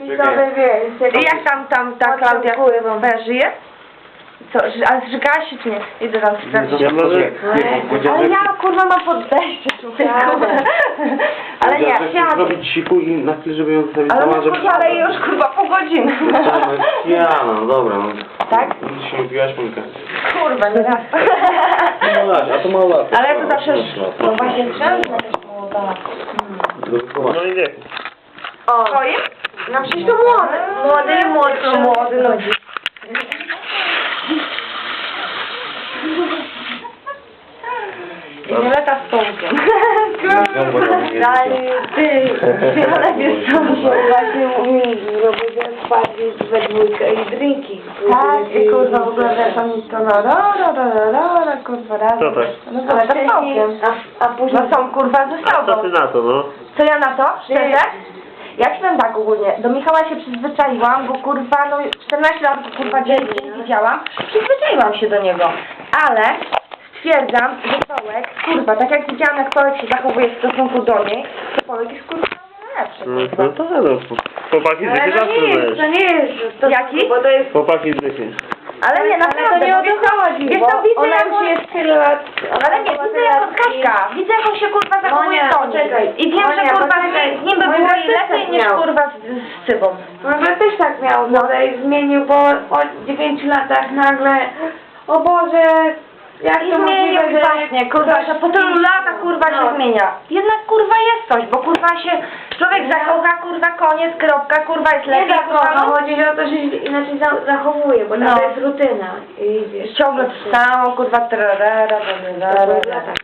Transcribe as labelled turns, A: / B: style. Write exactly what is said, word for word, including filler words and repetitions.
A: wizowe, wiesz.
B: I jak tam, tam ta Klaudia kurwa żyje? Co, ży- ale zrzygała się czy nie? Idę tam sprawdzić.
C: Ja może...
B: Ale ja kurwa mam podejście człowieku. Ale nie,
C: ja zrobić siku i na chwilę, żeby ją zostawić
B: ale
C: sama,
B: no
C: żeby...
B: kurwa, ale już kurwa po godzinie.
C: Ja, no dobra, no.
B: Tak?
C: Dziś się mówiłaś, Monika.
B: Kurwa, nie raz.
C: No lat, a to mało lat.
B: Ale to zawsze...
C: No
B: właśnie trzeba jakaś młoda.
C: No i nie.
B: O, twoim? No przecież to młody. Młody i młodszy. Młody ludzi. Violeta z Tomkiem.
A: Dalej, ty, ale wiesz co, się właśnie mówi, robię spadli we dwójkę i drinki.
B: Tak, i kurwa w ogóle wiesz, oni to no, ro, ro, ro, ro, ro, kurwa razem.
C: Co tak?
B: No ale to z Tomkiem.
A: A, a później...
B: No są kurwa ze
C: A co
B: sobą.
C: ty na to, no?
B: Co ja na to? Szczerze? Ja ci powiem tak ogólnie, do Michała się przyzwyczaiłam, bo kurwa, no czternaście lat kurwa dzień nie widziałam, przyzwyczaiłam się do niego, ale stwierdzam, że Tołek, kurwa, tak jak widziałam jak Tołek się zachowuje w stosunku do niej, to Tołek jest kurwa najlepszy,
C: No
B: kurwa.
C: to no, chłopaki z
A: Ale
C: dychy
A: to
C: zawsze
A: nie jest,
C: wiesz.
A: to nie jest... To,
B: Jaki?
A: Bo to jest...
C: Chłopaki z dychy.
B: Ale nie,
A: Ale
B: naprawdę,
A: to nie o
B: wiesz
A: to
B: co,
A: chodzi,
B: wiesz
A: bo
B: co, widzę
A: ona
B: jak
A: już
B: on...
A: jest tyle lat...
B: Ale nie, widzę jak on Kaśka, widzę jak on się kurwa zachowuje
A: Monia,
B: w domu.
A: poczekaj.
B: I wiem, że
A: Monia,
B: kurwa
A: poczekaj.
B: z nim by
A: Monia
B: było
A: też
B: i lepiej
A: tak
B: niż
A: miał.
B: kurwa z, z Cybą.
A: Może też tak miał, no i zmienił, bo po dziewięciu latach nagle... O Boże... Jak
B: I
A: to
B: zmienił
A: możliwe, że...
B: właśnie, kurwa, że po tylu latach kurwa się
A: No.
B: zmienia. Jednak kurwa jest coś, bo kurwa się człowiek zakocha, kurwa koniec, kropka, kurwa jest
A: Nie
B: lepiej, kurwa,
A: zakocha,
B: no.
A: chodzi o to, że się inaczej za zachowuje, bo
B: No.
A: to jest rutyna. I wiesz,
B: Ciągle to samo, kurwa, trarara,